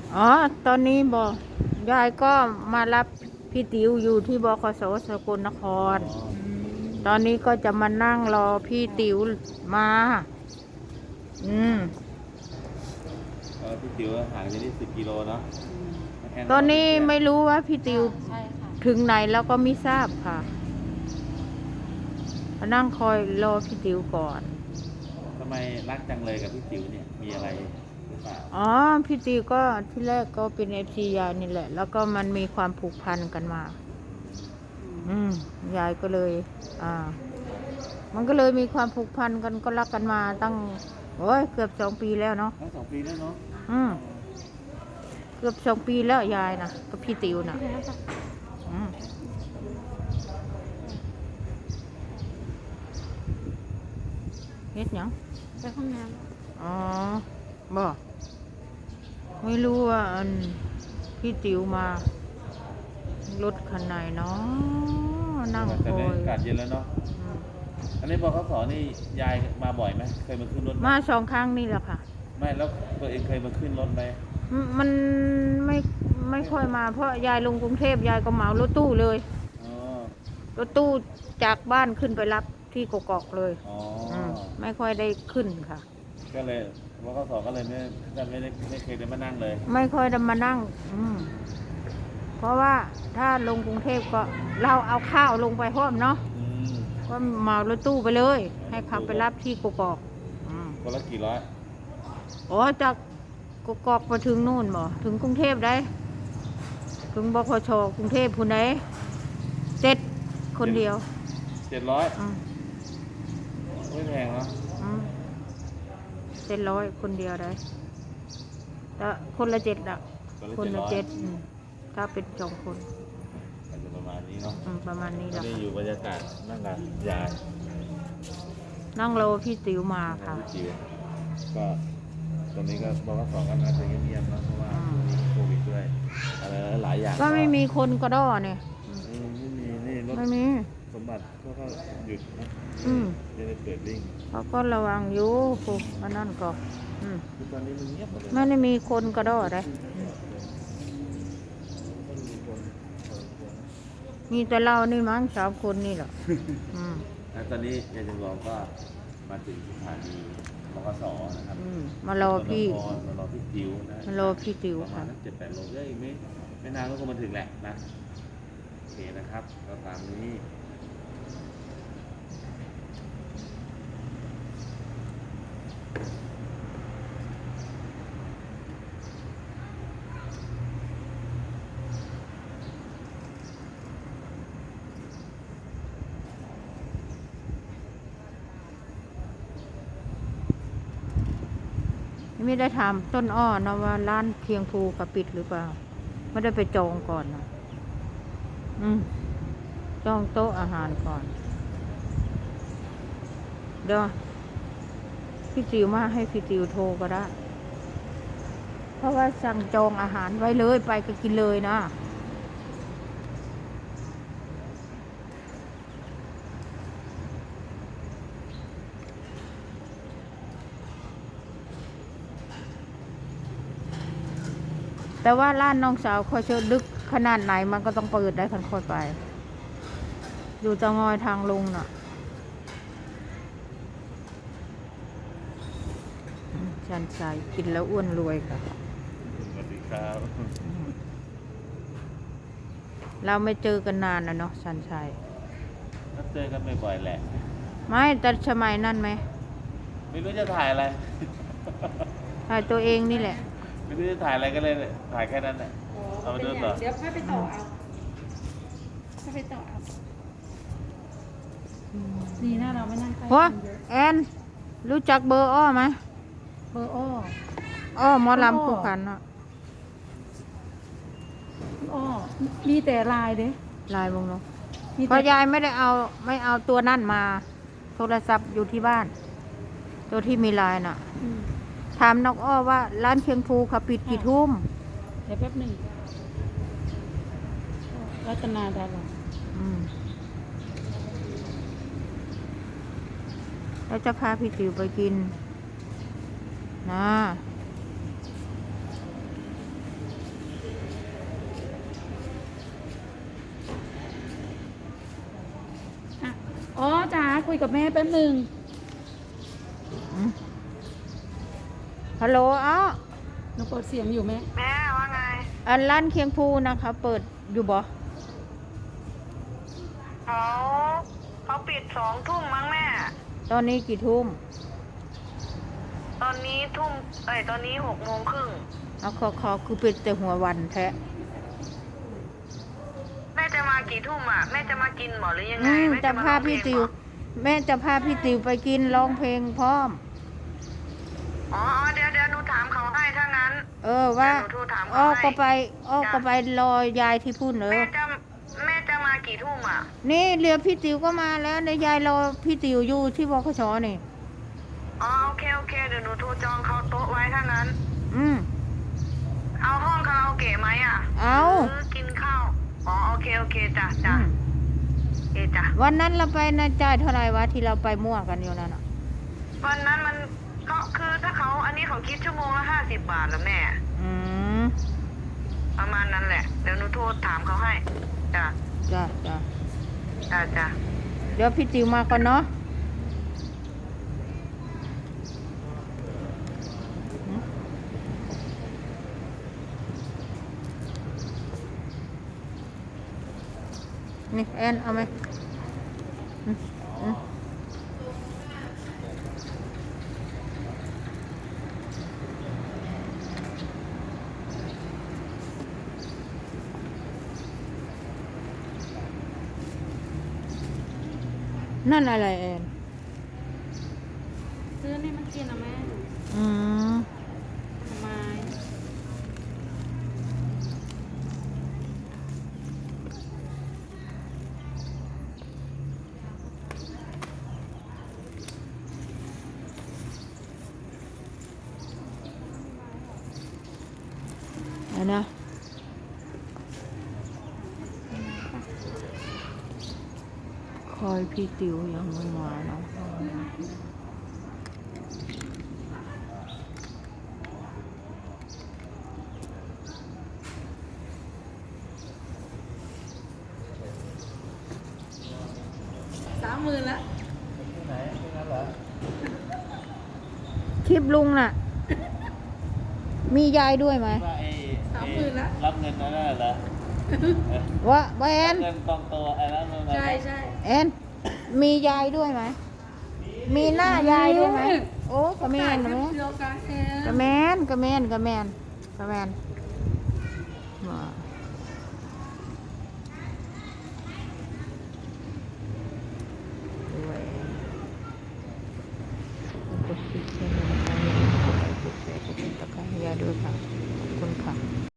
อ๋อตอนนี้บอกยายก็มารับพี่ติ๋วอยู่ที่บขสสกลนคอ๋อรตอนนี้ก็จะมานั่งรอพี่ติ๋วมาอืมพี่ติ๋วห่างจากนี่10 กิโลเนาะแค่ตอนรนี้เพื่อนไม่รู้ว่าพี่ติ๋วใช่ค่ะถึงไหนแล้วก็ไม่ทราบค่ะมานั่งคอยรอพี่ติ๋วก่อนทำไมรักจังเลยกับพี่ติ๋วเนี่ยมีอะไรหรือเปล่าอ๋อพี่ติ๋วก็ที่แรกก็เป็นFCยายนี่แหละ แล้วก็มันมีความผูกพันกันมา ยายก็เลย อ่า มันก็เลยมีความผูกพันกันก็รักกันมาตั้งโอ้ยเกือบ2 ปีแล้วเนาะทั้ง2 ปีแล้วเนาะอืมเกือบ2 ปีแล้วยายนะกับพี่ติ๋วนะอืมเฮ็ดหยังไปห้องน้อ๋อบอกไม่รู้ว่าอันพี่ติ๋วมารถคันไหนเนาะนั่งคแต่ในอยอากาศเย็นแล้วเนาะอืมอันนี้บขสนี่ยายมาบ่อยไหมเคยมาขึ้นรถไหมมา2 ครั้งนี่แหละค่ะไม่แล้วตัวเองเคยมาขึ้นรถไหมมันไม่ไม่ค่อยมาเพราะยายลงกรุงเทพยายก็เหมารถตู้เลยอ๋อรถตู้จากบ้านขึ้นไปรับที่กกอกเลยอ๋อไม่ค่อยได้ขึ้นค่ะก็เลยบขสก็เลยไม่เคยได้มานั่งเลยไม่ค่อยได้มานั่งเพราะว่าถ้าลงกรุงเทพก็เราเอาข้าวลงไปพร้อมเนาะอืมก็เหมารถตู้ไปเลย ให้ขับไปรับที่กกอกคนละกี่ร้อยอ๋อจากกกอกไปถึงนู่นบ่ถึงกรุงเทพได้ ถึงบขชกรุงเทพพุ่นไหน7 คนเดียว 700 อืมไม่แพงเนาะอืม700 คนเดียวได้แต่คนละ7อะคนละ7ถ้าเป็น2 คนอาจจะประมาณนี้เนาะประมาณนี้แหละนี่อยู่บรรยากาศนั่งกับยายนั่งรอพี่ติ๋วมาค่ะพี่จิ๋วก็ตอนนี้ก็บขสก็น่าจะเงียบๆเนาะเพราะว่าโควิดด้วยอะไรหลายอย่างก็ไม่มีคนกระด้อเนี่ยไม่มีนี่รถไม่มีสมบัติก็หยุดนะไม่ได้เปิดวิ่งเขาก็ระวังอยู่พวกอันนั้นก็คือตอนนี้มันเงียบหมดเลยไม่ได้มีคนกระด้อเลยมีแต่เรานี่มั้ง3 คนนี่แหละแล้วตอนนี้ยายจำลองก็มาถึงสถานีบขสนะครับมารอพี่มารอพี่จิ๋วนะมารอพี่ติ๋วประมาณ7-8 โลก็อีกไม่นานก็คงมาถึงแหละนะโอเคนะครับก็ตามนี้ไม่ได้ถามต้นอ้อนะว่าร้านเคียงภูกับปิดหรือเปล่าไม่ได้ไปจองก่อนนะจองโต๊ะอาหารก่อนเดี๋ยวพี่ติ๋วมาให้พี่ติ๋วโทรก็ได้เพราะว่าสั่งจองอาหารไว้เลยไปก็กินเลยนะแต่ว่าร้านน้องสาวคอยเชิญลึกขนาดไหนมันก็ต้องเปิดได้คันค่อยไปอยู่เตางอยทางลงน่ะชันชัยกินแล้วอ้วนรวยค่ะสวัสดีครับเราไม่เจอกันนานนะเนาะชันชัยก็เจอกันบ่อยๆแหละไม่แต่สมัยนั่นไหมไม่รู้จะถ่ายอะไรถ่ายตัวเองนี่แหละไม่รู้จะถ่ายอะไรก็เลยถ่ายแค่นั้นแหละเอามาดูต่อเดี๋ยวค่อยไปต่อเอาค่อยไปต่อเอาดีนะเราไม่นั่งใกล้กันเยอะแอนรู้จักเบอร์อ้อไหมเบอร์อ้อหมอลำคู่กันเนาะอ้อมีแต่ลายเด้ลายวงเนาะเพราะยายไม่เอาตัวนั่นมาโทรศัพท์อยู่ที่บ้านตัวที่มีลายน่ะถามน้องอ้อว่าร้านเคียงภูเขาปิดกี่ทุ่มเดี๋ยวแป๊บหนึ่งรัตนาดาราแล้วจะพาพี่ติ๋วไปกินนะคุยกับแม่แป๊บนึงฮัลโหลอ้อหนูเปิดเสียงอยู่แม่แม่ว่าไงอันร้านเคียงภูนะคะ เปิดอยู่บ่เขาปิด2 ทุ่มมั้งแม่ตอนนี้กี่ทุ่มตอนนี้ตอนนี้6 โมงครึ่งเอาขอคือปิดแต่หัววันแท้แม่จะมากี่ทุ่มอ่ะ แม่จะมากินหมอหรือยังไงแม่จะมาพาพี่ติว แม่จะพาพี่ติวไปกินร้องเพลงพร้อมอ๋อเดี๋ยวหนูถามเขาให้ถ้างั้นว่าเดี๋ยวหนูโทรถามอ้อเขาให้ก็ไปรอยายที่พุ่นแม่จะมากี่ทุ่มอ่ะนี่เรือพี่ติวก็มาแล้วในยายรอพี่ติวอยู่ที่บขชนี่อ๋อโอเคเดี๋ยวหนูโทรจองเขาโต๊ะไว้ถ้างั้นอืมเอาห้องคาราโอเกะไหมอ่ะเอาหรือกินข้าวอ๋อโอเคจ้ะอืมจ้ะวันนั้นเราไปนะจ่ายเท่าไหร่วะที่เราไปมั่วกันอยู่นั่นอ่ะวันนั้นมันก็คือถ้าเขาอันนี้เขาคิดชั่วโมงละ50 บาทแล้วแม่อืมประมาณนั้นแหละ เดี๋ยวหนูโทรถามเขาให้จ้ะจ้ะจ้ะเดี๋ยวพี่ติวมาก่อนเนาะนี่แอนเอาไหมอืมนั่นอะไรแอนซื้อนี่มันกินนะแม่อืมทำไมเอานะคอยพี่ติวยังไม่มาเนาะ 30,000ละไหนที่นั่นเหรอคลิปลุงน่ะ มียายด้วยไหมว่า 30,000ละรับเงินนั่นน่ะเหรอว่าแอนเงินกองโตไอ้นั่นนั่นน่ะใช่แอนมียายด้วยไหม มีหน้ายายด้วยไหม โอ้กระแมนกระแมนเดียวกันเองกระแมนกระแมนกระแมนกระแมนว่าด้วยกดติดเชื้อในกดไลค์กดแชร์กดติดตามอย่าด้วยค่ะ